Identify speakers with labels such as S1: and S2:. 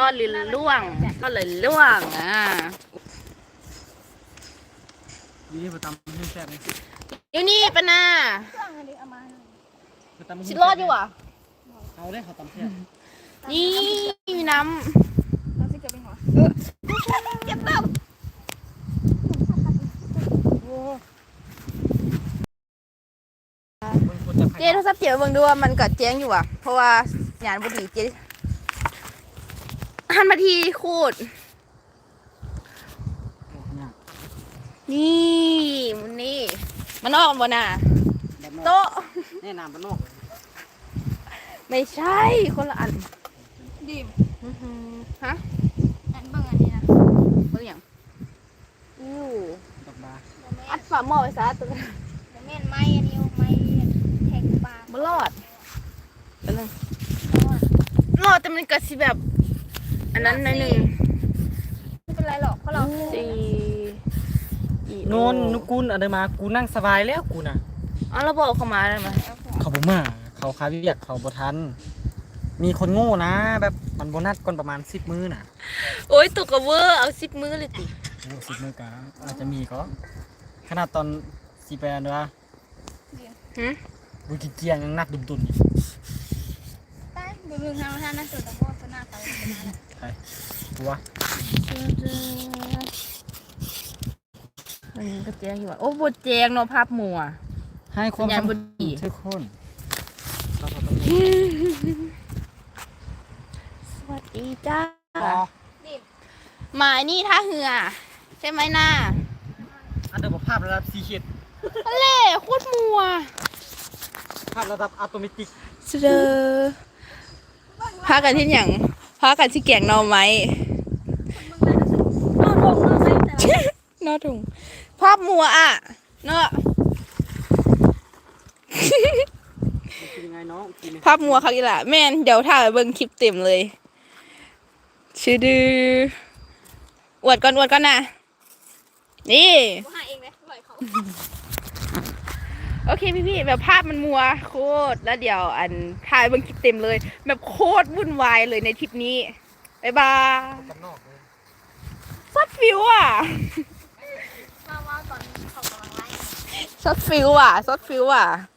S1: ก็เลยล่วง
S2: นี่มาตำให้แซ่บเลย
S1: อยู่นี่ปะนา
S3: เครื่องอะไรเอามา
S2: มาตำให้
S1: ชิรอดอยู่อ่ะ
S2: เอาได้เขาตำแซ่บ
S1: นี่มีน้
S3: เราจะเก็บไปหัวเก็บเติม
S1: ำเจ๊โทรศัพท์เจ๊เบิ่งดูว่ามันกัดแจ้งอยู่อ่ะเพราะว่าหยานบุดีเจ๊หันมาทีคูดนี่มันนี่มันออกบนน่ะโต๊ะ
S2: แน่นำบ้านนอก
S1: ไม่ใช่คนละอัน
S3: ดิม
S1: ฮะ
S3: อันเบิ่งอันนี้นะ
S1: เบิ่งอย่างอู้
S2: ดอกบา
S1: อัดฝาหม้อไว้ซะตัวนั้น
S3: เดี๋ยวแม่นไม้อันนี้ไม้แทงปลา
S1: บ่รอดตัวนึงรอดแต่มันก็สิแบบอันนั้นหน่อยหนึง
S3: ไม่เป็นไรหรอกเพราะเรา
S1: สี่
S2: โนนนุกุลอะไรมากูนั่งสบายแล้วกูน่ะ
S1: อ๋อเราบอกเขามาได้ไหม
S2: เขาบ่มาเขาคาเวียกเขาบ่ทันมีคนโง่นะแบบมันโบนัสก่อนประมาณ10 มื้อน่ะ
S1: โอ้ยตกกระเวอร์เอา10 มื้อเลยติ
S2: โอ้10 มื้อกะอาจจะมีก็ขนาดตอนสิไปอันเด้อ
S1: หึ
S2: บุกิเกียงยังนักดุมตุนอยู่
S3: ใต้ดูเรื่องทางท่านนั่นสุดแต่ว่าจะหน้าไป
S2: ใช่กูว่า
S1: อันนี้ก็แจ้งอยู่ว่าโอ้บดแจ้งเนาะภาพหมัว
S2: ให้ความ
S1: สัญญาณบ่ดี
S2: ทุกคนเราก็ต้อง
S1: สวัสดีจ้า
S3: ดิม
S1: หมายนี่ท่าเหือใช่ไหมน่า
S2: อันเดอร์ภาพระดับ4 ขีด
S1: เล่โคตรมัว
S2: ภาพระดับอะโตเมติก
S1: เสดอพากันที่อย่างพากันที่แกงหนอไม้
S3: นอนลงนอนใส่แต่ละ
S1: นอถุงภาพมัวอ่ะเนาะ
S2: เป็นยังไงน้องกินไหม
S1: ภาพมัวครับอีหล่ะแม่นเดี๋ยวถ่ายเบิ่งคลิปเต็มเลยชื่อดืออวดก่อนนะนี่
S3: กูหาเองเลยปล่อยเขา
S1: โอเคพี่แบบภาพมันมัวโคตรแล้วเดี๋ยวอันถ่ายเบิ่งคลิปเต็มเลย แบบโคตรวุ่นวายเลยในทริปนี้บ๊ายบาย
S2: กันนอกเลย
S1: ซัดฟิวอ่ะ
S3: มาว่าตอนเขากำลังไล่
S1: ซัดฟิวอ่ะ